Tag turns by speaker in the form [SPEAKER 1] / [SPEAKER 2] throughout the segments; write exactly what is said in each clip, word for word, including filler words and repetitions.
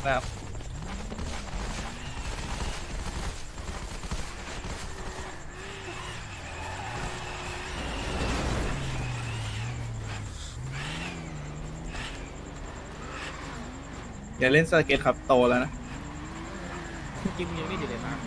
[SPEAKER 1] นะครับอย่าเล่นสเก็ตครับโตแล้วนะ
[SPEAKER 2] กินยังไม่ดีเลยครับ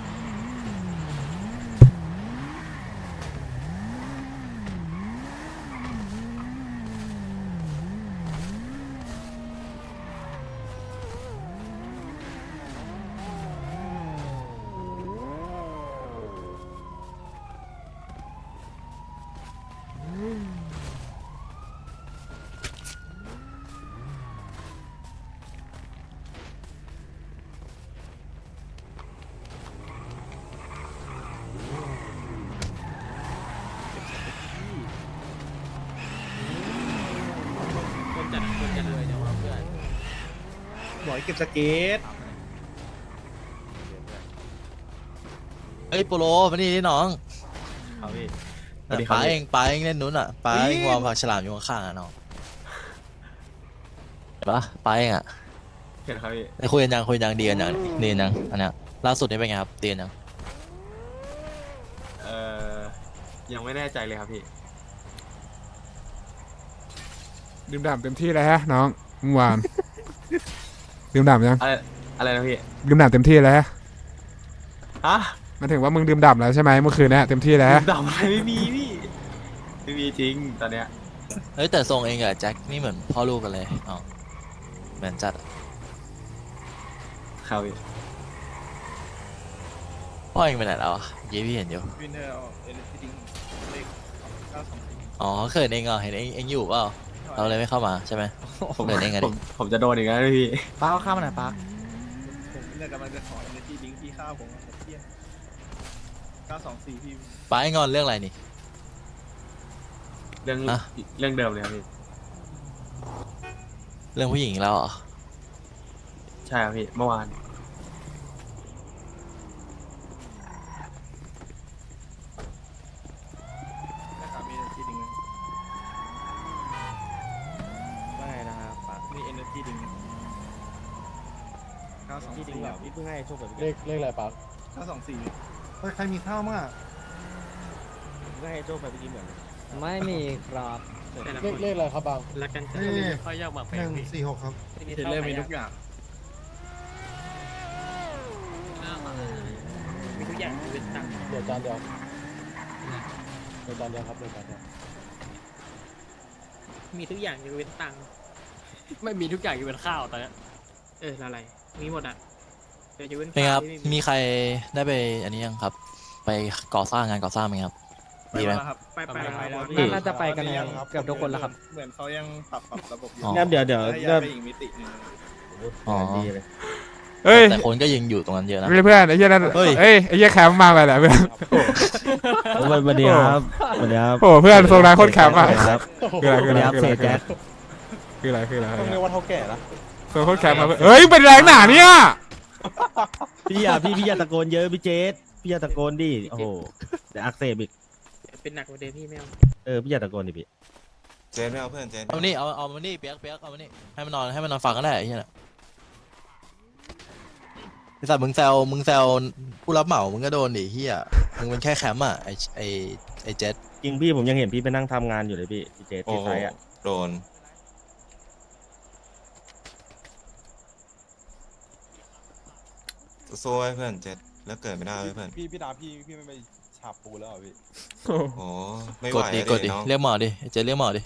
[SPEAKER 2] คนจัดคนจัดเลยเดี๋ยวเพื่อน
[SPEAKER 1] บอกให้เก็บสเก็ต
[SPEAKER 3] เฮ้ยโปโลมานี่ดิน้อง
[SPEAKER 2] เอาพี่
[SPEAKER 3] แต่ป้าเองป้าเองเล่นนู้นอ่ะป้าเองวางผักฉลามอยู่ข้างๆอ่ะน้องเห็นปะป้าเองอ่ะ
[SPEAKER 2] เห็นครับพี่
[SPEAKER 3] ได้คุยกันยังคุยกันยังดีกันยังดีกันยังอันเนี้ยล่าสุดนี่เป็นไงครับดีกันยัง
[SPEAKER 2] เอ่อยังไม่แน่ใจเลยครับพี่
[SPEAKER 4] ดื่มด่ำเต็มที่เลยฮะน้องเมื่อวาน ดื่มด่ำยัง
[SPEAKER 2] อะไรอะไรนะพี่
[SPEAKER 4] ดื่มด่ำเต็มที่แล้วฮะ
[SPEAKER 2] ฮะ
[SPEAKER 4] หมายถึงว่ามึงดื่มด่ำแล้วใช่ไหมเมื่อคืนเนี้ยเต็มที่แล้ว
[SPEAKER 2] ดำอะไรไม่มีพี่ไม่มีจริงตอนเนี้ย
[SPEAKER 3] เฮ้ยแต่ทรงเองกับแจ็คนี่เหมือนพ่อลูกกันเลยอ๋อเหมือนจัดอะ
[SPEAKER 2] ครับพี่
[SPEAKER 3] พ่อเองไปไหนแล้วอ่ะเยี่พี่เห็นอยู่
[SPEAKER 1] วินเทอร์เอาเอลิทิงเลขเก้าสองสี่
[SPEAKER 3] อ๋อเขินเองเหรอเห็นเองเองอยู่เปล่าเราเลยไม่เข้ามาใช่ไหม
[SPEAKER 2] ผม
[SPEAKER 3] เดินเองไง
[SPEAKER 2] ผ
[SPEAKER 3] ดิ
[SPEAKER 2] มผมจะโดนอีกแล้วพี่
[SPEAKER 5] ป้าเอาข้าวมาหน่อยป้า
[SPEAKER 1] ผมเนี่ยกำลังจะขอเอลิทิงพี่ข้าวผมอะเที่ยงเก้าสองสี่พี่
[SPEAKER 3] ป้าเองงอนเรื่องอะไรนี่
[SPEAKER 2] เรื่อง
[SPEAKER 3] ฮะ
[SPEAKER 2] เรื่องเดิมเลยครับพี่
[SPEAKER 3] เรื่องผู้หญิงอีกแล้วเหรอ
[SPEAKER 2] ใช่ครับพี่เมื่อวาน
[SPEAKER 1] นะครับมีเอลิทิง
[SPEAKER 5] ว่าไงนะครับป้า
[SPEAKER 1] มีเอลิทิงเก้าสอง
[SPEAKER 5] ที่จริ
[SPEAKER 1] สี่
[SPEAKER 5] งแบบพี่เพิ่งให้โชคแบบ
[SPEAKER 6] เลขเลขอะไรปะ
[SPEAKER 1] เก้าสองสี่
[SPEAKER 6] เฮ้ยใครมีข้าวมั้งอ่ะ
[SPEAKER 5] เพิ่งให้โชคแบบพี่เหมือน
[SPEAKER 7] ไม่มีครับ
[SPEAKER 6] เลขเลขอะไรครับบาง
[SPEAKER 2] รักกันจัง
[SPEAKER 6] นี่
[SPEAKER 2] เขาอยากมาไป
[SPEAKER 6] หนึ่งสี่หกครับ
[SPEAKER 1] เทเลอร์มีทุกอย่าง
[SPEAKER 2] มีทุกอย่างเป็นตังค์
[SPEAKER 6] เดี๋ยวจานเดียวเดี๋ยวจานเดียวครับเดี๋ยวจานเดียว
[SPEAKER 2] มีทุกอย่างยกเว้นตังค์
[SPEAKER 7] ไม่มีทุกอย่างอยู่เป็นข้าวตอนนี้
[SPEAKER 2] เอออะไรมีหมดอ่ะเดี๋ยวยกเว้น
[SPEAKER 3] เป็นไงครับ
[SPEAKER 2] ข้าวที่
[SPEAKER 3] มีใครได้ไปอันนี้ยังครับ ไปก่อสร้างงานก่อสร้างไหมครับ
[SPEAKER 1] ไป
[SPEAKER 3] ดีไหม
[SPEAKER 1] แล้วครับ
[SPEAKER 2] ไปไปไปแล้ว
[SPEAKER 7] น่าน่าจะไปกันเกือบทุกคนแล้วครับ
[SPEAKER 1] เหมือนเขายังปรับปรับระบบอยู่
[SPEAKER 3] อ๋อ
[SPEAKER 5] งั้นเดี๋ยวเดี๋ยว
[SPEAKER 1] ให้ย้ายไปอีกมิติหนึง
[SPEAKER 3] อ๋อ
[SPEAKER 5] ดีเลย
[SPEAKER 4] เฮ้ย
[SPEAKER 3] แต่คนก็ยังอยู่ตรงนั้นเยอะนะ
[SPEAKER 4] เพื่อนไอ้เหี้ยนั่น
[SPEAKER 3] เฮ้ย
[SPEAKER 4] เอ้ยไอ้เหี้ยแคมป์มาไปแหละเพื่อน
[SPEAKER 5] สวัสดีครับสวัสดีครับ
[SPEAKER 4] โอ้เพื่อนทรงนายโคตรแคมป์อ่ะ
[SPEAKER 5] ครับ
[SPEAKER 4] คืออะไร
[SPEAKER 5] ส
[SPEAKER 4] คือ
[SPEAKER 5] วัส
[SPEAKER 4] อะไร
[SPEAKER 5] ดีครับ
[SPEAKER 4] คืออะไร
[SPEAKER 5] เสกแจ๊ค
[SPEAKER 4] คืออะไรคืออะไร
[SPEAKER 6] ต้องเรียกว่าเท่าแก่ละ
[SPEAKER 4] ทรงโคตรแคมป์มาเพื่อนเฮ้ยเป็นแรงหนาเนี่ย
[SPEAKER 5] พี่อย่าพี่พี่อย่าตะโกนเยอะพี่เจสพี่อย่าตะโกนดิโอ้โหเดี๋ยวอักเสบอีก
[SPEAKER 2] เป็นหนักกว่าเดิมพี่ไม่เอา
[SPEAKER 5] เออพี่อย่าตะโกนดิพี่
[SPEAKER 8] เจนไม่เอาเพื่อนเจน
[SPEAKER 3] เอามานี่เอาเอามานี่เปียกเปียกเอามานี่ให้มันนอนให้มันนอนฟังก็ได้ไอ้เหี้ยน่ะไอ้สัตว์มึงแซวมึงแซวผู้รับเหมามึงก็โดนดิเหี้ยมึงเป็นแค่แคมป์อ่ะไอ้ไอ้ไอ้เจ็ด
[SPEAKER 5] จริงพี่ผมยังเห็นพี่ไปนั่งทำงานอยู่เลยพี่พี่เจส
[SPEAKER 8] โอ้
[SPEAKER 5] ที่
[SPEAKER 8] โห
[SPEAKER 5] ไทยอ่ะ
[SPEAKER 8] โดนสู้ไว้เพื่อนเจนแล้วเกิดไม่ได้เว้ยเพื่อน
[SPEAKER 6] พี่พี่ดาพี่พี่ไม่ไปฉาบปูแล้วเหรอพี่
[SPEAKER 4] โอ้
[SPEAKER 8] โอ้ไม่ไห
[SPEAKER 3] ก
[SPEAKER 8] ว
[SPEAKER 3] ดดิ
[SPEAKER 8] อะ
[SPEAKER 3] กดดิ
[SPEAKER 8] น้อง
[SPEAKER 3] เรียกหมอดิไอ้เจ็ดเรียกหมอดิ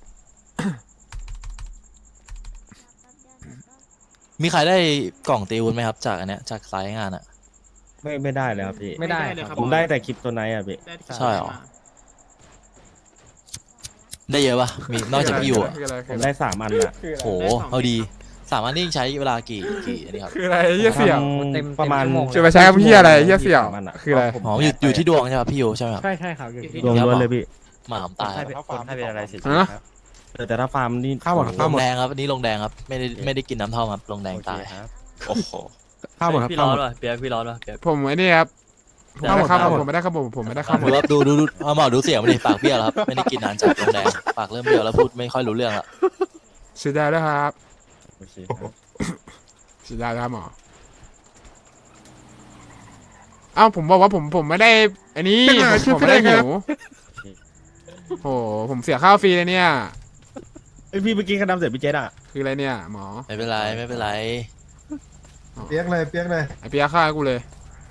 [SPEAKER 3] มีใครได้กล่องตีวุ้นไหมครับจากอันเนี้ยจากสายงานอ่ะ
[SPEAKER 5] ไม่ไม่ได้เลยครับพี่
[SPEAKER 7] ไม่ได้
[SPEAKER 2] เลย
[SPEAKER 7] ครับ
[SPEAKER 5] ผมได้แต่คลิปตัวไหนอ่ะพี่
[SPEAKER 2] ได้ที่
[SPEAKER 3] ใช่เหรอ ได้เยอะปะมีนอกจากพี่อยู่อ่ะ
[SPEAKER 4] คืออะไร
[SPEAKER 5] ผ
[SPEAKER 4] คือ
[SPEAKER 5] ม
[SPEAKER 4] อะไร
[SPEAKER 5] ได้สามอันอ่ะ
[SPEAKER 4] คืออะไร
[SPEAKER 3] โหเอาดีสามารถนี่ใช้เวลากี่กี่อันนี้ครับ
[SPEAKER 4] คืออะไรไอ้เหี้ยเสี่ยว
[SPEAKER 5] ทำ
[SPEAKER 7] เต็ม
[SPEAKER 5] ประมาณ
[SPEAKER 7] เต็มชั่วโมง
[SPEAKER 4] จะไปใช้คำเหี้ยอะไรไอ้เหี้ยเสี่ยว
[SPEAKER 5] สามนอะ
[SPEAKER 4] คืออะไร
[SPEAKER 5] ผม
[SPEAKER 3] อ๋ออยู่อยู่ที่ดวงใช่ป่ะพี่อยู่ใช่ไหมครับ
[SPEAKER 7] ใช่ใช่ครับอยู่ที่
[SPEAKER 5] ดวงล้วนเลยพี่
[SPEAKER 3] หมาผมตาย
[SPEAKER 6] ถ้าฟาร์มเป็นอะไรสิ
[SPEAKER 4] ฮะ
[SPEAKER 5] เออแต่ถ้าฟาร์มนี่
[SPEAKER 4] ข้าวหมด
[SPEAKER 5] โอ้โ
[SPEAKER 4] ข้าว
[SPEAKER 3] ลงแดงครับอันนี้ลงแดงครับไม่ได้ไม่ได้กินน้ำเท่าครับลงแดงตาย
[SPEAKER 8] โอ้โห
[SPEAKER 4] ข้าวหมดครับ
[SPEAKER 7] พี่
[SPEAKER 4] ข้า
[SPEAKER 7] ร้
[SPEAKER 4] ว
[SPEAKER 7] อ
[SPEAKER 4] หมด
[SPEAKER 7] นป่ะเปียกพี่ร้อนป่ะเปียก
[SPEAKER 4] ผมไอ้นี่ครับผมไม่ได้ข้าวหมดผมไม่ได้ข้าวหมดผมไม่ได้ข้าวหม
[SPEAKER 3] ดู
[SPEAKER 4] ด
[SPEAKER 3] ครับดูดูดูเอาหมอดูเสียงมาดิปากเบี้ยวแล้วครับไม่ได้กินนานจากลงแดงปากเริ่มเบี้ยวแล้วพูดไม่ค่อยรู้เรื่องละ
[SPEAKER 4] เสียดายแล้วครับ
[SPEAKER 5] โอเคครับ
[SPEAKER 4] ฉีดยาครับหมอเอ้าผมบอกว่าผมผมไม่ได้อันนี้ผมผมไม่ได้หิวโอ้ผมเสียข้าวฟรีเลยเนี่ย
[SPEAKER 5] ไอยพี่เมื่อกี้กระดำเสร็จพี่เจษอะ
[SPEAKER 4] คืออะไรเนี่ยหมอ
[SPEAKER 3] ไม่เป็นไรไม่เป็นไร
[SPEAKER 1] เปียกเลยเปียกเลย
[SPEAKER 4] ไอเปียฆ่ากูเลย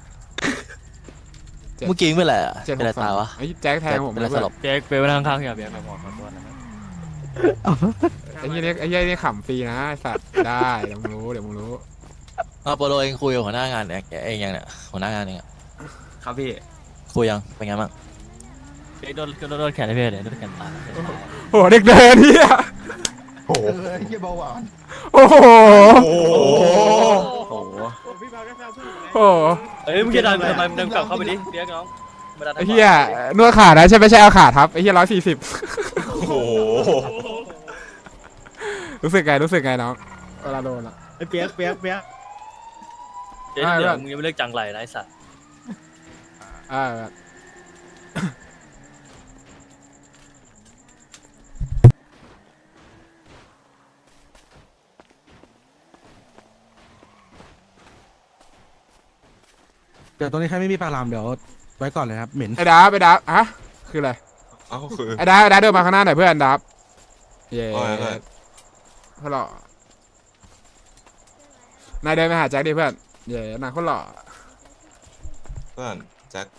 [SPEAKER 4] เจ็ด
[SPEAKER 3] เมื่อกี้เป็นไรอะ
[SPEAKER 4] เจ็ดห
[SPEAKER 3] เป็นไร
[SPEAKER 4] กสา
[SPEAKER 3] ตาม ยวะ
[SPEAKER 4] ไอ้แจ็คแทงผม
[SPEAKER 3] เป็นไร
[SPEAKER 4] เพื่
[SPEAKER 3] ส
[SPEAKER 4] อน
[SPEAKER 3] ลบ
[SPEAKER 7] เปียกเปียกไปนั่งข้างๆอย่าเปียกไปหมอขอโทษนะครับ
[SPEAKER 4] ไอ้เหี้ยนี่ไอ้เหี้ยนี่ขำฟรีนะไอ้สัตว์ได้เดี๋ยวมึงรู้เดี๋ยวมึงรู้
[SPEAKER 3] เอาโปโลเองคุยกับหัวหน้างานเองเองยังเนี่ยหัวหน้างานเองอะ
[SPEAKER 7] ครับพี่
[SPEAKER 3] คุยยังเป็นไงบ้าง
[SPEAKER 7] เปียกโดนโดนโดนแขนได้พี่เลยโดนแขนตาย
[SPEAKER 4] โอ้โหเด็กเดินเหี้ย
[SPEAKER 1] โอ้โหเฮียเบาหวาน
[SPEAKER 4] โอ้โห
[SPEAKER 7] โอ้โห
[SPEAKER 1] พี่พาแค่แซวผู้หญิง
[SPEAKER 4] โอ้โห
[SPEAKER 7] เอ้ยมึงจะดันทำไมมึงดันกลับเข้าไปดิเปียกน้องมาดัน
[SPEAKER 4] ไอ้เหี้ยนวดขานะใช่ไม่ใช่เอาขาทับไอ้เหี้ยร้อยสี่สิบ
[SPEAKER 8] โอ้โห
[SPEAKER 4] รู้สึกไงรู้สึกไงน้องเวลาโดนอะ
[SPEAKER 5] ไอเปียกเปียกเปียก
[SPEAKER 7] เดี๋ยวเดี๋ยวมึงยังไม่เลิกจังไรนะไอ้สัตว์
[SPEAKER 4] อ่า
[SPEAKER 6] เดี๋ยวตรงนี้ใครไม่มีปลาลามเดี๋ยวไว้ก่อนเลยครับเหม็น
[SPEAKER 4] ไอ้ดาบไอ้ดาบอะคืออะไร
[SPEAKER 8] เอ้าคือ
[SPEAKER 4] ไอ้ดาบไอ้ดาบเดินมาข้างหน้าหน่อยเพื่อนดาบเย้
[SPEAKER 8] ว่าไงเพื่อน
[SPEAKER 4] เขาหล่อนายเดินไปหาแจ็คดิเพื่อนเย้นายเขาหล่อ
[SPEAKER 8] เพื่อนแจ็ค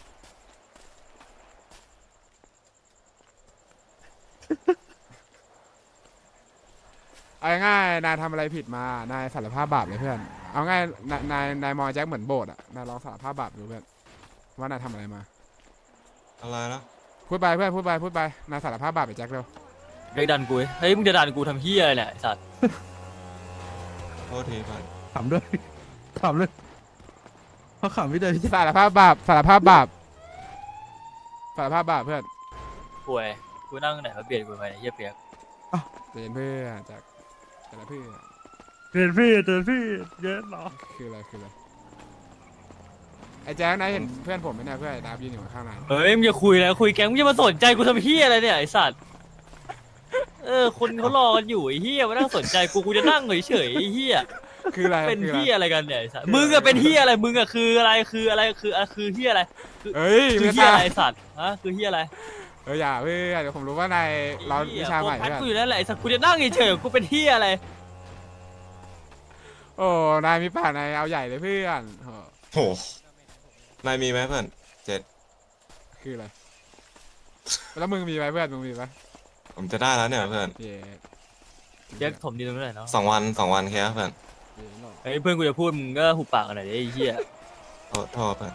[SPEAKER 4] เอาง่ายๆนายทำอะไรผิดมานายสารภาพบาปเลยเพื่อนเอาง่ายนายนายนายมองแจ็คเหมือนโบสถ์อะนายลองสารภาพบาปดูเพื่อนว่านายทำอะไรมา
[SPEAKER 8] อะไรนะ
[SPEAKER 4] พูดไปเพื่อนพูดไปพูดไปนายสารภาพบาปไปแจ็คเร็ว
[SPEAKER 7] เปียกดันกูเฮ้ยมึงจะดันกูทำเหี้ยอะไรเนี่ยไอ้สัตว์
[SPEAKER 8] โทษทีเพื่อน
[SPEAKER 6] ขำด้วยขำเลยเขาขำไม่ได้พี่
[SPEAKER 4] สารภาพบาปสารภาพบาปสารภาพบาปเพื่อน
[SPEAKER 7] ป่วยกูนั่งไหนมาเปลี่ยนกูไปเนี่ยเหี้ยเปียก
[SPEAKER 4] เรียนเพื่อนแจ็คแต่ละเพื่อน
[SPEAKER 6] เตือนพี่เตือนพี่เยอะหรอ
[SPEAKER 4] คืออะไรคืออะไรไอ้แจ็คนายเห็นเพื่อนผมไหมเนี่ยเพื่อนไอ้ดาบยืนอยู่ข้างๆนาย
[SPEAKER 7] เฮ้ยมึงจะคุยแล้วคุยแกงมึงจะมาสนใจกูทำเหี้ยอะไรเนี่ยไอ้สัตว์เออคนเขารอกันอยู่ไอ้เหี้ยมานั่งสนใจกูกูจะนั่งเฉยๆไอ้เหี้ย
[SPEAKER 4] คืออะไร
[SPEAKER 7] เป็น
[SPEAKER 4] คืออะไร
[SPEAKER 7] เหี้ยอะไรกันเนี่ยไอ้สัตว์มึงอะเป็นเหี้ยอะไรมึงอะคืออะไรคืออะไรคืออะคือเหี้ยอะไร
[SPEAKER 4] เฮ้ย
[SPEAKER 7] คือ
[SPEAKER 4] ไม่
[SPEAKER 7] เหี้ย
[SPEAKER 4] ตา
[SPEAKER 7] อะไรไอ้สัตว์ฮะคือเหี้ยอะไร
[SPEAKER 4] เอออย่าเพื่อนเดี๋ยวผมรู้ว่านายเราวิชาใหม่
[SPEAKER 7] พัด
[SPEAKER 4] เพื่อน
[SPEAKER 7] กูอยู่แล้วแหละไอ้สัตว์กูจะนั่งเฉยๆกูเป็นเหี้ยอะไร
[SPEAKER 4] โอ้นายมีป่านายเอาใหญ่เลยเพื่อนโอ้
[SPEAKER 8] โหนายมีไหมเพื่อนเจ็ด
[SPEAKER 4] คืออะไรแล้วมึงมีไหมเพื่อนมึงมีไหม
[SPEAKER 8] ผมจะได้แล้วเนี่ยเพื่อน
[SPEAKER 4] เย้
[SPEAKER 7] เจ๊กถมดีตรงนี้หน่อยเนาะ
[SPEAKER 8] สองวันสองวันแค่เพื่อน
[SPEAKER 4] เย้หรอ
[SPEAKER 7] ไอ้ยเพื่อนกูจะพูดมึงก็หุบปากกันหน่อยดิไอ้เหี้ย
[SPEAKER 8] โทษโทษเพื่อน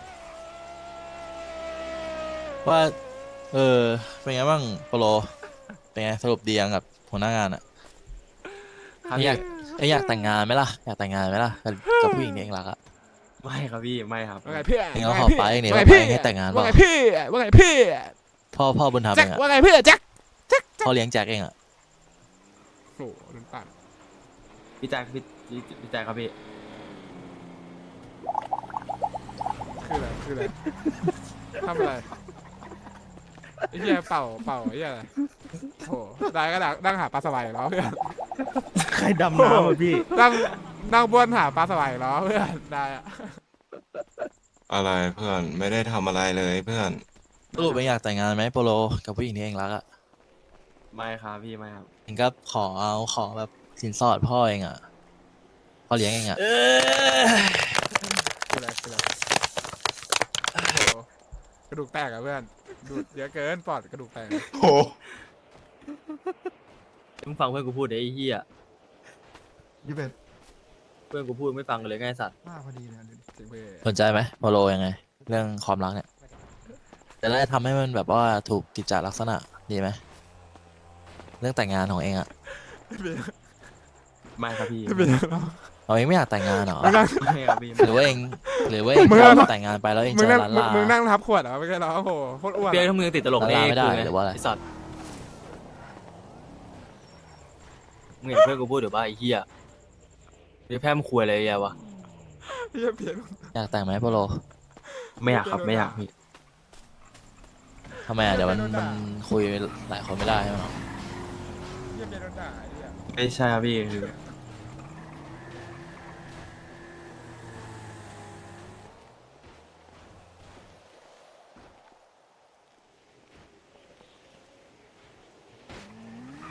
[SPEAKER 3] ว่าเออเป็นไงบ้างโปโลเป็นไงสรุปดียังกับหัวหน้างานอะอยากเอ้ยอยากแต่งงานไหมล่ะอยากแต่งงานไหมล่ะกับกับผู้หญิงที่เองรักอะ
[SPEAKER 7] ไม่ครับพี่ไม่ครับ
[SPEAKER 4] ว่าไงเพื่อน
[SPEAKER 3] เองเอา
[SPEAKER 4] ว่า
[SPEAKER 3] ขอ
[SPEAKER 4] ไง
[SPEAKER 3] ไป
[SPEAKER 4] พี่
[SPEAKER 3] เนี่ย
[SPEAKER 4] ว่า
[SPEAKER 3] ว่า
[SPEAKER 4] ไง
[SPEAKER 3] ไป
[SPEAKER 4] พี่
[SPEAKER 3] ให้แต่งงานเป
[SPEAKER 4] ว่า
[SPEAKER 3] ล่า
[SPEAKER 4] ไงพี่ว่าไงพี่
[SPEAKER 3] พ่อพ่อบุญธรรม
[SPEAKER 4] แจ็
[SPEAKER 3] เอ
[SPEAKER 4] ค
[SPEAKER 3] งอะ
[SPEAKER 4] ว่าไงพี่แจ็ค
[SPEAKER 3] พ่อเลี้ยงแจ็คเองอะ
[SPEAKER 4] โอ้โหโดนปั่น
[SPEAKER 7] พี่แจ๊คพี่พี่แจ๊คครับพี่
[SPEAKER 4] คืออะไรคืออะไรทำอะไรไอ้เหี้ยเป่าเป่าไอ้เหี้ยอะไรโอ้โหได้ก็ดังนั่งหาปลาสวายอยู่แล้วเพื่อน
[SPEAKER 5] ใครดำน้ำอ่ะพี่
[SPEAKER 4] นั่งนั่งบ้วนหาปลาสวายอยู่แล้วเพื่อนได้อะ
[SPEAKER 8] อะไรเพื่อนไม่ได้ทำอะไรเลยเพื่อน
[SPEAKER 3] สรุปเองอยากแต่งงานไหมโปโลกับผู้หญิงที่เองรักอะ
[SPEAKER 7] ไม่ครับพี่ไม่ครับ
[SPEAKER 3] เองก็ขอเอาขอแบบสินสอดพ่อเองอะพ่อเลี้ยงเองอะ
[SPEAKER 7] เออ
[SPEAKER 4] คืออะไรคืออะไรโอ้โหกระดูกแตกอะเพื่อนดูดเยอะเกินปอดกระดูกแตก
[SPEAKER 8] โห
[SPEAKER 7] มึงฟังเพื่อนกูพูดดิไอ้เหี้ย
[SPEAKER 1] ยี่สิบ
[SPEAKER 7] เพื่อนกูพูดไม่ฟังกันเลยไงไอ้สัตว์
[SPEAKER 1] มากพอดีเลย
[SPEAKER 4] จริงเพื่อน
[SPEAKER 3] สนใจไหมโปโลยังไง เรื่องความรักเนี่ยแต่แล้วจะทำให้มันแบบว่าถูกกิจจลักษณะดีไหมเรื่องแต่งงานของเองอะ
[SPEAKER 7] ไม่ครับพี่
[SPEAKER 4] ไม่เป็นไร
[SPEAKER 3] เราเองไม่อยากแต่งงานเหรอ
[SPEAKER 4] มึงนั่ง
[SPEAKER 7] ไม่ครับพี่
[SPEAKER 3] หรือว่าเองหรือว่าเอง
[SPEAKER 4] มึง
[SPEAKER 3] ช
[SPEAKER 4] นั่
[SPEAKER 3] อง บแต่งงานไปแล้วเอง
[SPEAKER 4] มึง
[SPEAKER 3] เจ
[SPEAKER 4] นั่
[SPEAKER 3] อง ร้าน
[SPEAKER 4] มึง
[SPEAKER 3] ลา
[SPEAKER 4] มึงนั่งทับขวดเหรอไม่ใช่เหรอโอ้โหโคตรอ้วน
[SPEAKER 7] เปียก
[SPEAKER 4] อะ
[SPEAKER 7] ถ้ามึงยังติดตลก
[SPEAKER 3] ละ
[SPEAKER 7] แน่
[SPEAKER 3] ลาไม่ได้
[SPEAKER 7] กูง
[SPEAKER 3] หรือว่าอะไร
[SPEAKER 7] ไอ้สัตว์มึงเห็นเพื่อนกูพูดหรือเปล่าไอ้เหี้ยเดี๋ยวแพ้มึงคุยอะไรแย่วะ
[SPEAKER 4] เหี้ยเปลี่ยน
[SPEAKER 3] อยากแต่งไหมโปโล
[SPEAKER 7] ไม่อยากครับไม่อยากพี่
[SPEAKER 3] ทำไมอะเดี๋ยวมันมันคุยหลายคนไม่ได้ใช่ไหม
[SPEAKER 4] เหี้ยเปลี่ยนโดนด่าไอ้เหี้ย
[SPEAKER 7] ไม่ใช่ครับพี่คือ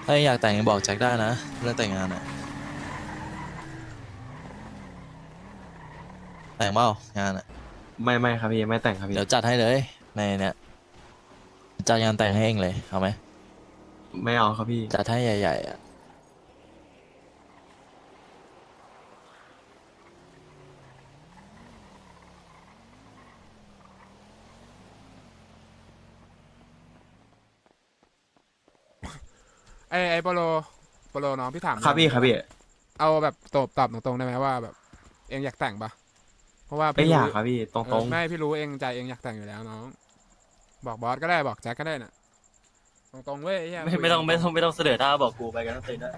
[SPEAKER 3] ถ้ายังอยากแต่งยังบอกแจ็คได้นะเรื่องแต่งงานอะแต่งเปล่างานอะ
[SPEAKER 6] ไม่ไม่ครับพี่ไม่แต่งครับพี่
[SPEAKER 3] เดี๋ยวจัดให้เลยในเนี้ยจัดงานแต่งให้เองเลยเอาไหม
[SPEAKER 6] ไม่เอาครับพี่
[SPEAKER 3] จัดให้ใหญ่ๆอะ
[SPEAKER 4] ไอไอโปโลโปโลน้องพี่ถาม
[SPEAKER 6] ครับพี่ครับพี่
[SPEAKER 4] เอาแบบตอบตอบตรงๆได้ไหมว่าแบบเองอยากแต่งปะเพราะว่า
[SPEAKER 6] ไม่
[SPEAKER 4] พี่
[SPEAKER 6] อยาก
[SPEAKER 4] รู้
[SPEAKER 6] ครับพี่ต
[SPEAKER 4] เอ
[SPEAKER 6] ร
[SPEAKER 4] อง ไม่พี่รู้เองใจเองอยากแต่งอยู่แล้วน้อง บอกบอสก็ได้บอกแจ็คก็ได้น่ะตรงๆเว้ยไอ้เหี้ย
[SPEAKER 7] ไม่
[SPEAKER 4] คุย
[SPEAKER 7] ไม่ต้อง
[SPEAKER 4] ตรๆ
[SPEAKER 7] ไม่ต้องไม่ต้องเสนอหน้าบอกกูไปกันทั้งตีนนะ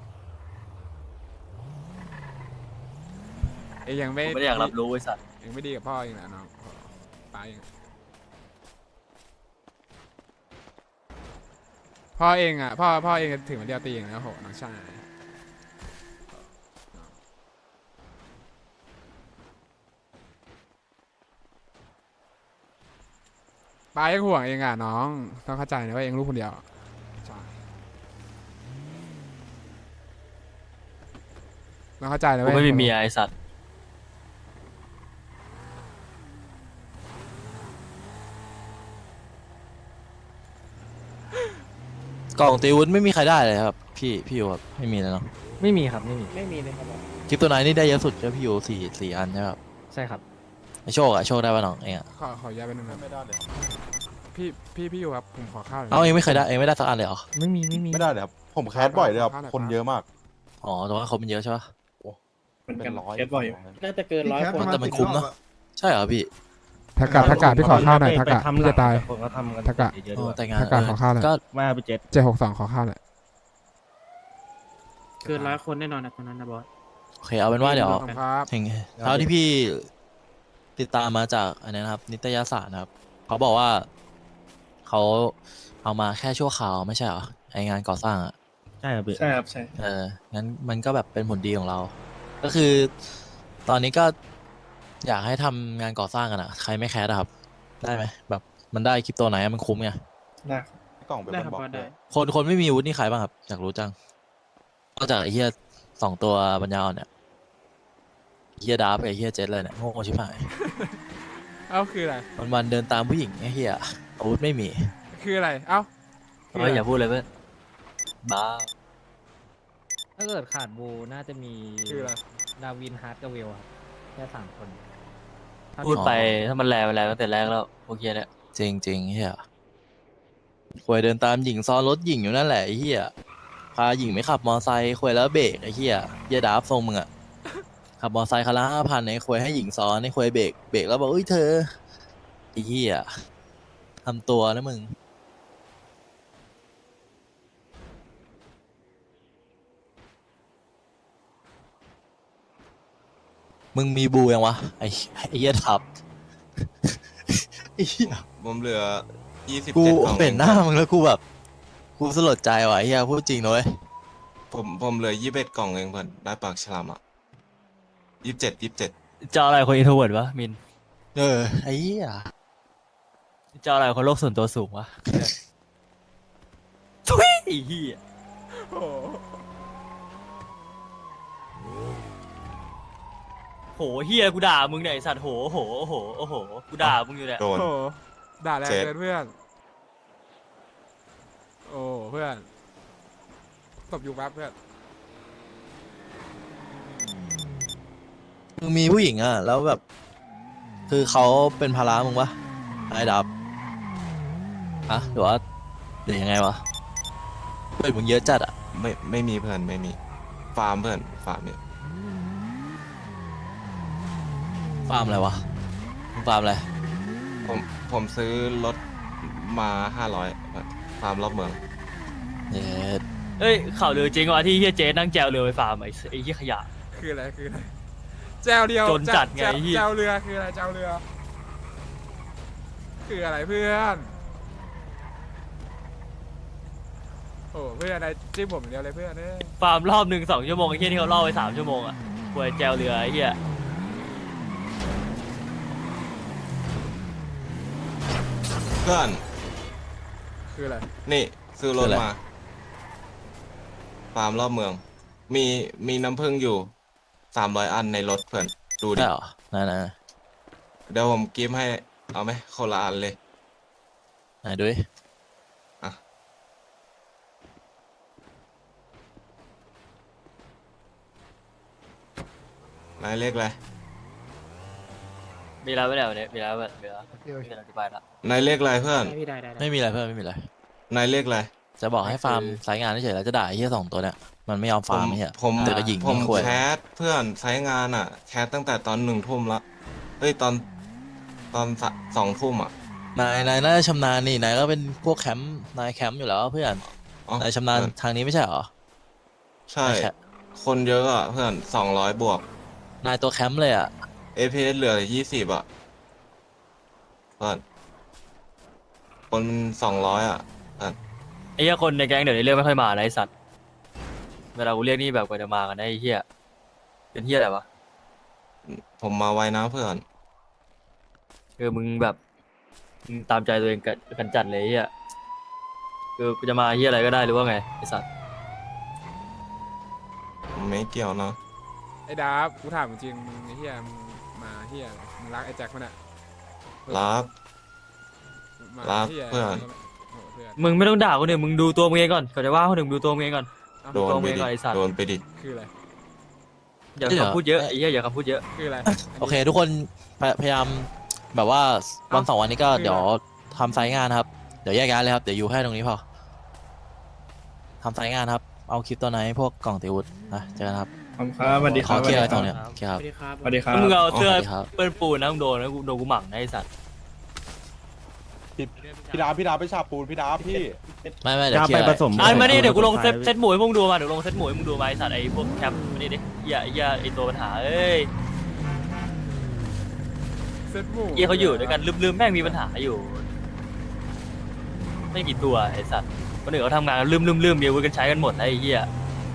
[SPEAKER 4] เองยังไม่
[SPEAKER 7] กูไม่ได้อยากรับรู้ไอ้สัตว์
[SPEAKER 4] เองไม่ดีกับพ่อเองนะน้องป้าเองพ่อเองอ่ะพ่อพ่อเองถึงวันเดียวตีเองแล้วโหน้องชายป้ายังห่วงเองอ่ะน้องต้องเข้าใจนะว่าเองลูกคนเดียวใช่ต้องเข้าใจนะ
[SPEAKER 7] กู
[SPEAKER 4] เว้ย
[SPEAKER 7] ไม่มีเมียไอ้สัตว์
[SPEAKER 3] กล่องตีวุ้นไม่มีใครได้เลยครับพี่พี่อยู่ครับไม่มีเลยเนาะ
[SPEAKER 6] ไม่มีครับไม่มี
[SPEAKER 2] ไม่มีเลยครับ
[SPEAKER 3] คลิปตัวไหนนี่ได้เยอะสุดก็พี่อยู่สี่สี่อันใช่ไหมครับ
[SPEAKER 6] ใช่ครับ
[SPEAKER 3] ไอโชคอะโชคได้ป่ะน้องเองอะ
[SPEAKER 4] ขอขอย้ายไปหนึ่งนะพี่พี่พี่อยู่ครับผมขอข้าวหน่อย
[SPEAKER 3] เอาเองไม่เคยได้เองไม่ได้สักอันเลยเหรอ
[SPEAKER 6] ไม่มีไม่มี
[SPEAKER 9] ไม่ได้เลยครับ ผมแคสบ่อยเลยครับ คนเยอะมาก
[SPEAKER 3] อ๋อแต่ว่าเขามันเยอะใช่ปะ
[SPEAKER 9] เป็นร้อย
[SPEAKER 1] แคสบ่อยอยู่
[SPEAKER 2] น่าจะเกินร้อยคน
[SPEAKER 3] แต่มันคุ้มเนอะ ใช่เหรอพี่
[SPEAKER 4] ทักกะทักกะพี่ขอข้าวหน่อยทักกะ
[SPEAKER 5] ไปทำ
[SPEAKER 4] พี่จะตาย
[SPEAKER 5] คนก็ทำกัน
[SPEAKER 4] ทักกะ
[SPEAKER 5] เยอะๆ
[SPEAKER 3] โอ้
[SPEAKER 5] ด้วย
[SPEAKER 3] แต่งาน
[SPEAKER 4] ถ้าการขอข้าวหน่อย
[SPEAKER 3] ก็
[SPEAKER 5] มาไปเจ็ด
[SPEAKER 4] เจ็ดหกสองขอข้าวหน่อย
[SPEAKER 2] เกินร้อยคนแน่นอนนะตอนนั้นนะบอส
[SPEAKER 3] โอเคเอาเป็นว่าเดี๋ยว
[SPEAKER 4] ขอบคุณครับ
[SPEAKER 3] ถึงเท่าที่พี่ติดตามมาจากอันนี้นะครับ นิตยสารนะครับเขาบอกว่าเขาเอามาแค่ชั่วคราวไม่ใช่เหรอไองานก่อสร้างอะ
[SPEAKER 5] ใช่ครับพี่
[SPEAKER 1] ใช่ครับใช่
[SPEAKER 3] เอองั้นมันก็แบบเป็นผลดีของเรา ก็คือ ตอนนี้ก็อยากให้ทำงานก่อสร้างกันอะใครไม่แคสอะครับ ได้ไหมแบบมันได้คริปโตไหนอะมันคุ้มไง
[SPEAKER 1] ได้
[SPEAKER 9] กล่องเป็น
[SPEAKER 2] ได้
[SPEAKER 9] บ
[SPEAKER 2] ครับ
[SPEAKER 9] อก
[SPEAKER 2] บอส
[SPEAKER 9] เล
[SPEAKER 2] ได้
[SPEAKER 9] ย
[SPEAKER 3] คนคนไม่มีอาวุธนี่ใครบ้างครับอยากรู้จังนอกจากไอ้เหี้ยสองตัวปัญญาอ่อนเนี่ยไอ้เหี้ยดาร์ฟกับไอ้เหี้ยเจ็ตเลยเนี่ยโง่ชิบหาย
[SPEAKER 4] เอ้าคืออะไร
[SPEAKER 3] วันวันๆเดินตามผู้หญิงไอ้เหี้ยอาวุธไม่มี
[SPEAKER 4] คืออะไรเอ้าคื
[SPEAKER 7] เฮ้ยอย่าพูดเลยเพื่อนบ้า
[SPEAKER 6] ถ้าเกิดขาดบูน่าจะมี
[SPEAKER 4] คืออะไร
[SPEAKER 6] ดาวินฮาร์ดกับเวลครับแค่สามคน
[SPEAKER 7] พูดไปถ้ามันแรงมันแรงตั้งแต่แรกแล้วพวกเฮียเนี่ย
[SPEAKER 3] จริงจริงๆเหี้ยควยเดินตามหญิงซ้อนรถหญิงอยู่นั่นแหละไอ้เหี้ยพาหญิงไม่ขับมอไซค์ควยแล้วเบรกไอ้เหี้ยเหี้ยดาร์ฟทรงมึงอะขับมอไซค์คันละห้าพันไอ้ควยให้หญิงซ้อนไอ้ควยเบรกเบรกแล้วบอกเอ้ยเธอไอ้เหี้ยทำตัวนะมึง มึงมีบูยังวะไอ้ไอ้เหี้ยทับ ไอ้เหี้ย
[SPEAKER 8] ผมเหลือยี่สิบ
[SPEAKER 3] กู
[SPEAKER 8] เจ็ดกล่อง
[SPEAKER 3] เห็นหน้ามึงแล้วกูแบบกูสลดใจว่ะไอ้เหี้ยพูดจริงนะเว้ย
[SPEAKER 8] ผมผมเหลือยี่สิบเอ็ดกล่องเองเพื่อนได้ปากฉลามอ่ะยี่สิบเจ็ดยี่สิบเจ็ด
[SPEAKER 7] จะเอาอะไรคนอินโทรเวิร์ดวะมิน
[SPEAKER 3] เออไอ้เหี้ย
[SPEAKER 7] จะเอาอะไรคนโลกส่วนตัวสูงวะทุยไอ้เฮีย
[SPEAKER 4] โอ้โห
[SPEAKER 7] โหเฮียกูด่ามึงเนี่ยไอ้สัตว์โหโหโหโอ้โหกูด่ามึงอยู่เนี่ย
[SPEAKER 8] โดน
[SPEAKER 4] โอ้โหด่าแรง
[SPEAKER 8] เจ็ด
[SPEAKER 4] เกินเพื่อน โอ้เพื่อนตบอยู่แป๊บเพื่อน
[SPEAKER 3] มึงมีผู้หญิงอ่ะแล้วแบบ คือเขาเป็นภาระมึงปะไอ้ดับอะหรือว่าหรือยังไงวะเพื่อนมึงเยอะจัดอ่ะ
[SPEAKER 8] ไม่ไม่มีเพื่อนไม่มีฟาร์มเพื่อนฟาร์มเนี่ย
[SPEAKER 3] ฟาร์มอะไรวะมึงฟาร์มอะไร
[SPEAKER 8] ผมผมซื้อรถมาห้าร้อยฟาร์มรอบเมือง
[SPEAKER 3] เย็ด
[SPEAKER 7] เอ้ยข่าวลือจริงวะที่เฮียเจ๊นั่งแจวเรือไปฟาร์มไอ้ไอ้เฮียขยะ
[SPEAKER 4] คืออะไรคืออะไรแจวเดียว
[SPEAKER 7] จนจัดไง
[SPEAKER 4] แจว
[SPEAKER 7] ไอ้เหี้ย
[SPEAKER 4] แจวเรือคืออะไรแจวเรือ คืออะไรเพื่อนโอ้เพื่อนอะไรจิ้มผมอย่างเดียวเลยเพื่อนเอ้ย
[SPEAKER 7] ฟาร์มรอบหนึ่งสองชั่วโมงไอ้เฮียที่เขาเล่าไปสามชั่วโมงอ่ะป่วยแจวเรือไอ้เฮีย
[SPEAKER 8] เพื่อน
[SPEAKER 4] คืออะไร
[SPEAKER 8] นี่ซื้อรถมาฟาร์มรอบเมือง มีมีน้ำผึ้งอยู่สามร้อยอันในรถเพื่อนดูดิ
[SPEAKER 3] ได้เหรอไหนไหน
[SPEAKER 8] เดี๋ยวผมกิฟต์ให้เอาไหมคนละอันเลย
[SPEAKER 3] ไหนดูดิ
[SPEAKER 8] อ่ะนายเลขอะไร
[SPEAKER 7] มีแล้วไม่ได้วันนี้มีแล้วแบบมีแล้วมีการอธิบายละ
[SPEAKER 8] นายเลขอะไรเพื่อน
[SPEAKER 2] ได้พี่ได้ได้ได้
[SPEAKER 3] ไม่มีอะไรเพื่อนไม่มีอะไร
[SPEAKER 8] นายเลขอะไร
[SPEAKER 3] จะบอกให้ฟาร์มสายงานเฉยๆแล้วจะด่าไอ้เหี้ยสองตัวเนี่ยมันไม่ยอม
[SPEAKER 8] ผ
[SPEAKER 3] ฟาร์
[SPEAKER 8] ม
[SPEAKER 3] มไอ้เหี้ย
[SPEAKER 8] ผม
[SPEAKER 3] เดี๋ยวก็ยิง
[SPEAKER 8] ผม
[SPEAKER 3] ยิงขวย
[SPEAKER 8] แคสเพื่อนใช้งานอ่ะ แคสตั้งแต่ตอนหนึ่งทุ่มละเอ้ยตอนตอนสะสองทุ่มอ่ะ
[SPEAKER 3] นายนายน่าจะชำนาญนี่นายก็เป็นพวกแคมป์นายแคมป์อยู่แล้วเพื่อน
[SPEAKER 8] อ๋อน
[SPEAKER 3] ายชำนาญ
[SPEAKER 8] เพื่อน
[SPEAKER 3] ทางนี้ไม่ใช่เหรอ
[SPEAKER 8] ใช่
[SPEAKER 3] นายแค
[SPEAKER 8] คนเยอะอ่ะเพื่อนสองร้อยบวก
[SPEAKER 3] นายตัวแคมป์เลยอ่ะ
[SPEAKER 8] เอพีเอสเหลือยี่สิบอ่ะเพื่อนคนสองร้อยอ่ะเพื่อน
[SPEAKER 7] ไอ้เหี้ยคนในแก๊งเดี๋ยวนี้เรียกไม่ค่อยมานะไอ้สัตว์เวลากูเรียกนี่แบบกว่าจะมากันได้ไอ้เหี้ยเป็นเหี้ยอะไรวะ
[SPEAKER 8] ผมมาไวนะเพื่อน
[SPEAKER 7] คือมึงแบบมึงตามใจตัวเองกันกันจัดเลยไอ้เหี้ยคือกูจะมาเหี้ยอะไรก็ได้หรือว่าไงไอ้สัตว์
[SPEAKER 8] ผมไม่เกี่ยวนะ
[SPEAKER 4] ไอ้ดาบกูถามจริงมึงไอ้เหี้ยมึงมาเหี้ยอะไรมึงรักไอ้แจ็คมันอะ
[SPEAKER 8] รัก
[SPEAKER 4] มา
[SPEAKER 8] รัก
[SPEAKER 4] หี้ย
[SPEAKER 8] เพื่อน
[SPEAKER 4] โอ้เพื่อน
[SPEAKER 7] มึงไม่ต้องด่าคนอื่นมึงดูตัวมึงเองก่อนก่อนจะว่าคนอื่นมึงดูตัวมึงเองก่อน
[SPEAKER 4] เอ้า
[SPEAKER 8] โดน
[SPEAKER 7] ตัว
[SPEAKER 8] ไป
[SPEAKER 7] มึงเอง
[SPEAKER 8] ดิ
[SPEAKER 7] ก่อนไอ้สัตว์
[SPEAKER 8] โดนไปดิ
[SPEAKER 4] คืออะไร
[SPEAKER 7] อย่าคำพูดเยอะไอ้เหี้ยอย่าคำพูดเยอะ
[SPEAKER 4] คืออะไร
[SPEAKER 3] โอเค ทุกคนพยพยายามแบบว่าวันสองวันนี้ก็เดี๋ยวทำไซต์งานครับเดี๋ยวแยกย้ายเลยครับเดี๋ยวอยู่แค่ตรงนี้พอทำไซต์งานครับเอาคลิปตัวไหนพวกกล่องติวุฒนะเจอกันครับ
[SPEAKER 1] ผมครับสวัสดีค
[SPEAKER 3] ข
[SPEAKER 1] รั
[SPEAKER 3] อบ เคลียร์ไว้ตรงเนี้ยโอเค
[SPEAKER 2] ส
[SPEAKER 3] ครับ
[SPEAKER 2] วัสดีครับ
[SPEAKER 1] สวัสดีครับ
[SPEAKER 7] มึงเอาเสื้อ
[SPEAKER 3] สวัสดีครับ
[SPEAKER 7] เปื้อนปูนนะมึงโดนนะกูโดนกูหมั่งนะไอ้สัตว์
[SPEAKER 9] พี่พี่ดาบพี่ดาบไปฉาบปูนพี่ดาบพี่
[SPEAKER 3] ไม่ไม่เดี๋ยว
[SPEAKER 5] จะ
[SPEAKER 3] เคลี
[SPEAKER 5] ไป
[SPEAKER 3] ยร์
[SPEAKER 5] ผสม
[SPEAKER 7] อ่ะมาดิเดี๋ยวกูลงเซต
[SPEAKER 5] ไป
[SPEAKER 7] เซตหมูให้มึงดูมาเดี๋ยวลงเซตหมูให้มึงดูมาไอ้สัตว์ไอ้พวกแคปมาดิดิเหี้ยไอ้เหี้ยไอ้ตัวปัญหาเอ้ย
[SPEAKER 4] เซ็ตหมู
[SPEAKER 7] เหี้ยเขาอยู่ด้วยกันลืมๆแม่งมีปัญหาอยู่ ไม่กี่ตัวไอ้สัตว์คนอื่นเขาทำงานกันลืมๆๆมีอาวุธกันใช้กันหมดแล้วไอ้เหี้ย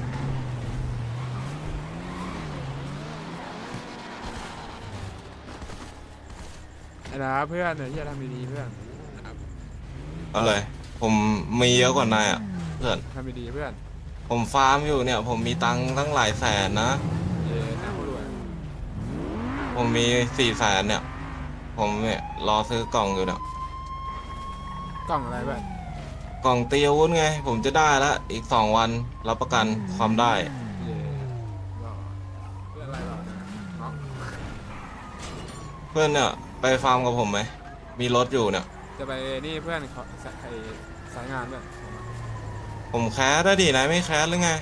[SPEAKER 4] ไอ้ดาบเพื่อนไอ้เหี้ยทำดีๆเพื่อน
[SPEAKER 8] อะไร ผมมีเยอะกว่านายอ่ะ เพื่อน
[SPEAKER 4] ทำดีๆเพื่อน
[SPEAKER 8] ผมฟาร์มอยู่เนี่ย ผมมีตังค์ตั้งหลายแสนนะ
[SPEAKER 4] เย้น่าพูดด้วย
[SPEAKER 8] ผมมีสี่แสนเนี่ย ผมเนี่ยรอซื้อกล่องอยู่เนี่ย
[SPEAKER 4] กล่องอะไรเพื่อน
[SPEAKER 8] กล่องตีอาวุธไง ผมจะได้ละอีกสองวันรับประกันความได้
[SPEAKER 4] เย้หล่อเพื่อนอะไรหล่อนะเนาะ
[SPEAKER 8] เพื่อนเนี่ย ไปฟาร์มกับผมไหม มีรถอยู่เนี่ย
[SPEAKER 4] จะไปนี่เพื่อนขอสายสายงานเพื่อน
[SPEAKER 8] ผมแคสได้ดินายไม่แคสหรือไง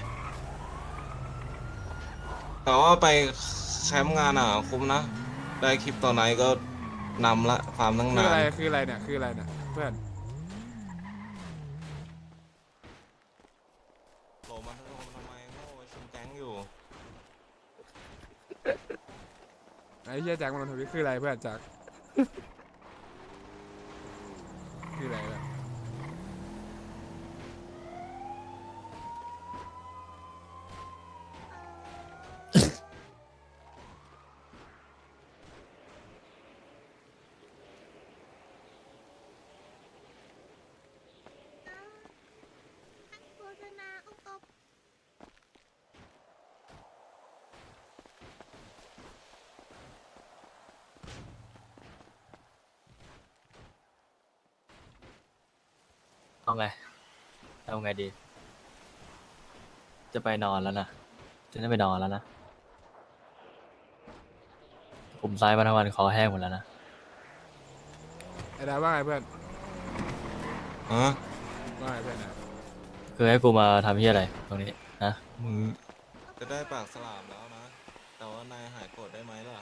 [SPEAKER 8] แต่ว่าไปแคมป์งานอ่ะ คุ้มนะ ได้คลิปตัวไหนก็นำละฟาร์มตั้ง
[SPEAKER 4] คือน
[SPEAKER 8] าน
[SPEAKER 4] อะไรคืออะไรเนี่ยคืออะไรเนี่ยเพื่อน
[SPEAKER 8] โหลมันโหลมันทำไมโง่ไปชุมแก๊งอยู่
[SPEAKER 4] ไอ้เหี้ยแจ็คมันทวิตคืออะไรเพื่อนแจ็คคืออะไรเนี่ย
[SPEAKER 10] โฆษณาอุปกรณ์
[SPEAKER 7] เอาไงเอาไงดี จะไปนอนแล้วนะจะได้ไปนอนแล้วนะผมซ้ายมาทั้งวันคอแห้งหมดแล้วนะ
[SPEAKER 4] ไอ้ดาว่าไงเพื่อน
[SPEAKER 8] ฮะ
[SPEAKER 4] ว่าไงเพื่อนนะ
[SPEAKER 7] คือให้กูมาทำที่อะไรตรงนี้นะ
[SPEAKER 8] มึงจะได้ปากสลามแล้วนะ แต่ว่านายหายโกรธได้ไหมล่ะ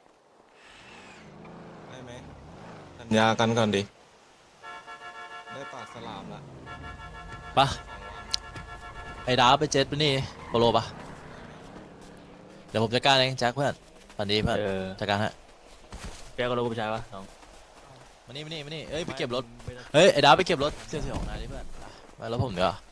[SPEAKER 8] ได้ไหมสัญญากันก่อนดิ ได้ปากสลามละ
[SPEAKER 3] ปะไอ้ดาบไปเจ็ตปะนี่โปโลปะเดี๋ยวผมจัดการเองแจ็คเพื่อนฝันดีเพื่อน
[SPEAKER 7] เออ
[SPEAKER 3] จัดการฮะ
[SPEAKER 7] แกก็รู้กูไปใช้ปะน้อง
[SPEAKER 3] มานี่มานี่มานี่เอ้ยไปเก็บรถเฮ้ยไอ้ดาบไปเก็บรถเสี่ยวๆของนายดิเพื่อนไปไปแล้วผมเดี๋ยวา